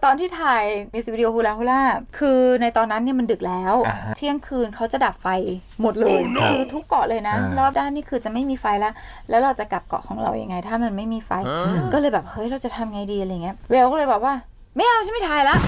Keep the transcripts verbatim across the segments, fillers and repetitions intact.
ตอนที่ถ่ายมิวสิกวิดีโอฮูลาฮูล่าคือในตอนนั้นเนี่ยมันดึกแล้วเที่ยงคืนเขาจะดับไฟหมดเลย oh, no. คือทุกเกาะเลยนะรอบด้านนี่คือจะไม่มีไฟแล้วแล้วเราจะกลับเกาะของเรายัางไงถ้ามันไม่มีไฟ huh? ก็เลยแบบเฮ้ยเราจะทำไงดีอะไรเงี้ยเวลก็เลยบอกว่าไม่เอาฉันไม่ถ่ายละ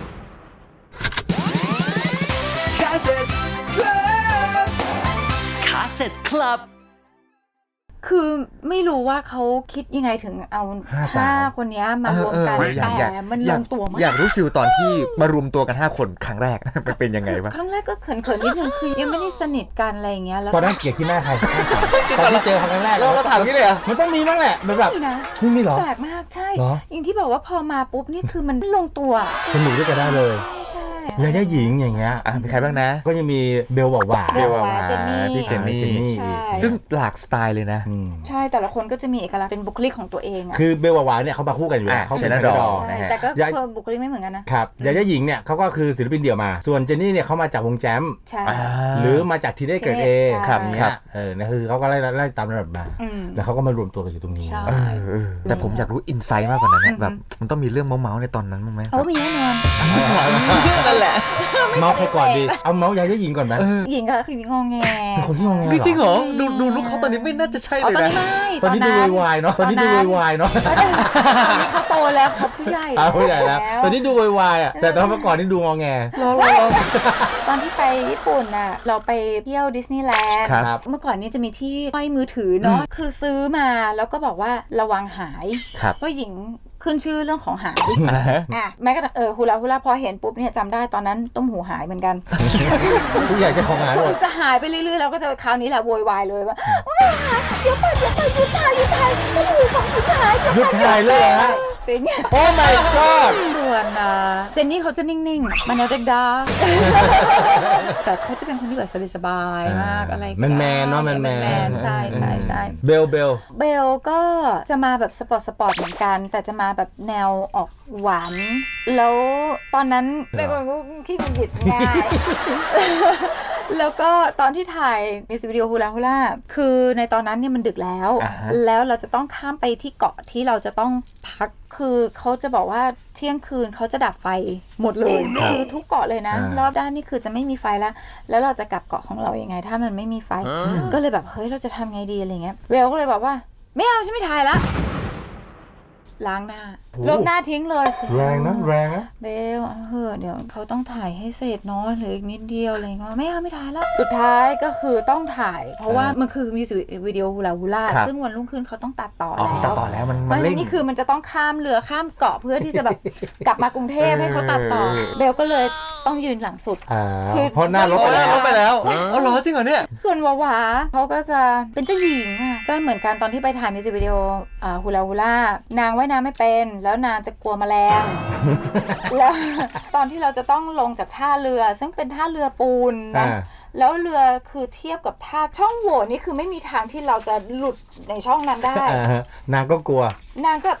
คาสเซ็ตคลับคาสเซ็ตคลับคือไม่รู้ว่าเขาคิดยังไงถึงเอาห้าคนนี้มารวมกันแต่มันลงตัวมากอยากรู้ฟิลตอนที่มารวมตัวกันห้าคนครั้งแรกมันเป็นยังไงบ้างครั้งแรกก็เขินๆนิดนึงคือยังไม่ได้สนิทกันอะไรอย่างเงี้ยแล้วตอนนั้นเกลียดที่หน้าใครตอนที่เจอครั้งแรกเราถามนี่เลยอ่ะมันต้องมีบ้างแหละมันแบบนี่มีเหรอแปลกมากใช่อย่างที่บอกว่าพอมาปุ๊บนี่คือมันลงตัวสนุกด้วยกันได้เลยยาย่าหญิงอย่างเงี้ยอ่ะมีใครบ้างนะก็ยังมีเบลหวาเบลหวาเจนนี่พี่เจนนี่ซึ่งหลากสไตล์เลยนะใช่แต่ละคนก็จะมีเอกลักษณ์เป็นบุคลิกของตัวเองอ่ะคือเบลหวาเนี่ยเขามาคู่กันอยู่แล้วเขาเป็นนักร้องแต่ก็บุคลิกไม่เหมือนกันนะครับยาย่าหญิงเนี่ยเขาก็คือศิลปินเดี่ยวมาส่วนเจนนี่เนี่ยเขามาจากวงแจมหรือมาจากทีเนสเกิร์ลเอครับเนี่ยเออนะคือเขาก็ไล่ไล่ตามระดับมาแล้วเขาก็มารวมตัวกันอยู่ตรงนี้แต่ผมอยากรู้อินไซต์มากกว่านั้นแบบมันต้องมีเรื่องเมาส์ในตอนนั้นมั้งไหมโอ้มีแน่นอนนั่นแหละเมาส์ใครก่อนดีเอาเมาส์ยาย่าหญิงก่อนไหมหญิงก็คืองงแงเป็นคนที่งงแงจริงเหรอดูดูลุคเขาตอนนี้ไม่น่าจะใช่เลยนะตอนนี้ดูวายเนาะตอนนี้ดูวายเนาะตอนนี้เขาโตแล้วเขาผู้ใหญ่แล้วผู้ใหญ่แล้วตอนนี้ดูวายอ่ะแต่ตอนเมื่อก่อนนี่ดูงงแงตอนที่ไปญี่ปุ่นน่ะเราไปเที่ยวดิสนีย์แลนด์เมื่อก่อนนี้จะมีที่ห้อยมือถือเนาะคือซื้อมาแล้วก็บอกว่าระวังหายเพราะหญิงขึ้นชื่อเรื่องของหายอ่ะแม้กระทั่งเออฮูลาฮูลาพอเห็นปุ๊บเนี่ยจำได้ตอนนั้นต้มหูหายเหมือนกันผู้ใหญ่จะของหายหมดจะหายไปเรื่อยๆแล้วก็จะคราวนี้แหละโวยวายเลยว่าเดี๋ยวไปเดี๋ยวไปหยุดถ่ายหยุดถ่ายต้มหูของหยุดถ่ายหยุดถ่ายเลยฮะจริงโอ้ my god ส่วนเจนนี่เขาจะนิ่งๆมันเด็กดาแต่เขาจะเป็นคนที่แบบสบายๆมากอะไรแมนแมนเนาะแมนแมนใช่ใช่ใช่เบลเบลเบลก็จะมาแบบสปอร์ตสปอร์ตเหมือนกันแต่จะมาแบบแนวออกหวานแล้วตอนนั้นเป็นคนขี้หงุดหงิดง่ายแล้วก็ตอนที่ถ่ายมิวสิกวิดีโอฮูลาฮูล่าคือในตอนนั้นเนี่ยมันดึกแล้วแล้วเราจะต้องข้ามไปที่เกาะที่เราจะต้องพักคือเขาจะบอกว่าเที่ยงคืนเขาจะดับไฟหมดเลย oh, no. คือทุกเกาะเลยนะรอบด้านนี่คือจะไม่มีไฟแล้วแล้วเราจะกลับเกาะของเรายังไงถ้ามันไม่มีไฟ huh? ก็เลยแบบเฮ้ยเราจะทำไงดีอะไรเงี้ยเวลก็เลยบอกว่าไม่เอาฉันไม่ถ่ายละล้างหน้าลบหน้าทิ้งเลยแรงนะแรงนะเบลเฮ้อเดี๋ยวเขาต้องถ่ายให้เสร็จเนาะเหลืออีกนิดเดียวอะไรเงี้ยไม่เอาไม่ถ่ายแล้วสุดท้ายก็คือต้องถ่ายเพราะว่ามันคือมิวสิกวิดีโอฮูลาฮูล่าซึ่งวันรุ่งขึ้นเขาต้องตัดต่อแล้วตัดต่อแล้วมันมันเร่งนี่คือมันจะต้องข้ามเรือข้ามเกาะเพื่อที่จะแบบกลับมากรุงเทพให้เขาตัดต่อเบลก็เลยต้องยืนหลังสุดคือเพราะหน้าลบไปแล้วลบไปแล้วอ๋อเหรอจริงเหรอเนี่ยส่วนวาวาเขาก็จะเป็นเจ้าหญิงอ่ะก็เหมือนกันตอนที่ไปถ่ายมิวสิกวิดีโอฮูลาฮูล่านางว่ายน้ำไม่เป็นแล้วนางจะกลัวแมลงแล้วตอนที่เราจะต้องลงจากท่าเรือซึ่งเป็นท่าเรือปูนนะแล้วเรือคือเทียบกับท่าช่องโหว่นี่คือไม่มีทางที่เราจะหลุดในช่องนั้นได้นางก็กลัวนางก็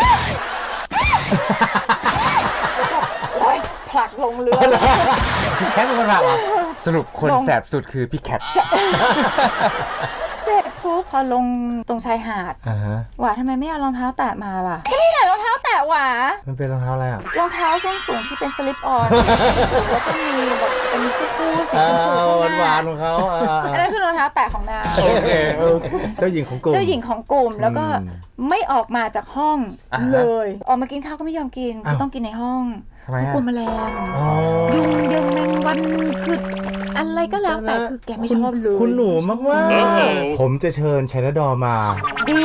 ผลักลงเรือแคทเป็นคนผลักเหรอสรุปคนแสบสุดคือพี่แคทเสร็จปุ๊บพอลงตรงชายหาดหวาทำไมไม่เอารองเท้าแตะมาล่ะก็นี่แหละรองเท้าแตะหวามันเป็นรองเท้าอะไรอ่ะรองเท้าส้นสูงที่เป็นสลิปออนแล้วก็มีแบบเป็นคู่สีชมพูหวานๆของเขาอันนั้นคือรองเท้าแตะของนางโอเคเจ้าหญิงของกลุ่มเจ้าหญิงของกลุ่มแล้วก็ไม่ออกมาจากห้องเลยออกมากินข้าวก็ไม่ยอมกินคือต้องกินในห้องกลัวแมลงยุงยุงแมงวันคืออะไรก็แล้วแต่คือแกไม่ชอบเลยคุณหนูมากว่าผมจะเชิญชัยนดอมาดี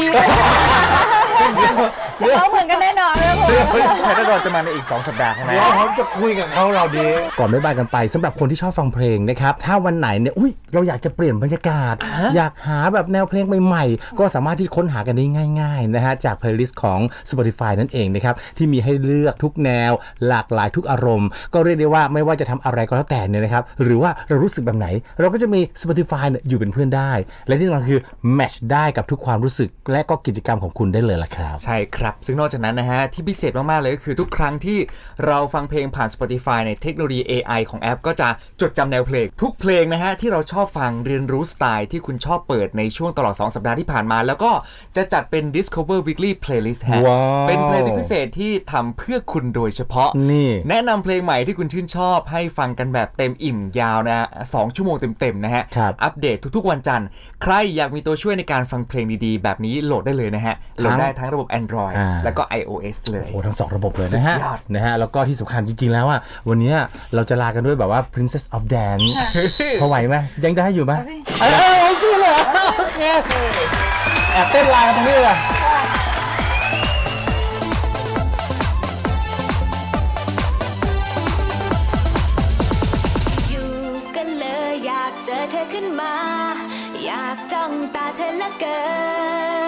จะเขาเหมือนกันแน่นอนเลยผมชัยนดอจะมาในอีกสองสัปดาห์ข้างหน้าแล้วผมจะคุยกับเขาเราดีก่อนบ๊ายบายกันไปสำหรับคนที่ชอบฟังเพลงนะครับถ้าวันไหนเนี่ยอุ้ยเราอยากจะเปลี่ยนบรรยากาศอยากหาแบบแนวเพลงใหม่ๆก็สามารถที่ค้นหากันได้ง่ายๆนะฮะจากเพลย์ลิสต์ของ Spotify นั่นเองนะครับที่มีให้เลือกทุกแนวหลากหลายทุกอารมณ์ก็เรียกได้ว่าไม่ว่าจะทำอะไรก็แล้วแต่เนี่ยนะครับหรือว่าเรารู้สึกแบบไหนเราก็จะมี Spotify เนี่ยอยู่เป็นเพื่อนได้และที่สำคัญคือแมทช์ได้กับทุกความรู้สึกและก็กิจกรรมของคุณได้เลยล่ะครับครับใช่ครับซึ่งนอกจากนั้นนะฮะที่พิเศษมากๆเลยก็คือทุกครั้งที่เราฟังเพลงผ่าน Spotify ในเทคโนโลยี เอ ไอ ของแอปก็จะจดจำแนวเพลงทุกเพลงนะฮะที่เราชอบฟังเรียนรู้สไตล์ที่คุณชอบเปิดในช่วงตลอดสองสัปดาห์ที่ผ่านมาแล้วก็จะจัดเป็น Discover Weekly Playlist ฮะว้าวเป็นเพลงพิเศษที่ทำเพื่อคุณโดยเฉพาะนี่แนะนำเพลงใหม่ที่คุณชื่นชอบให้ฟังกันแบบเต็มอิ่มยาวนะสองชั่วโมงเต็มๆนะฮะครับอัปเดตทุกๆวันจันทร์ใครอยากมีตัวช่วยในการฟังเพลงดีๆแบบนี้โหลดได้เลยนะฮะโหลดได้ทั้งระบบ Android อ่าแล้วก็ iOS เลยโอ้ทั้งสองระบบเลยนะฮะสุดยอดนะฮะแล้วก็ที่สำคัญจริงๆแล้วอ่ะวันนี้เราจะลากันด้วยแบบว่า Princess of Dance พอไหวไหมยังได้อยู่ไหมเอาสิเออเอาสิเลยโอเคแอบเต้นลากันตรงนี้เลยอยู่กันเลยอยากเจอเธอขึ้นมา อยากจ้องตาเธอเหละเกิน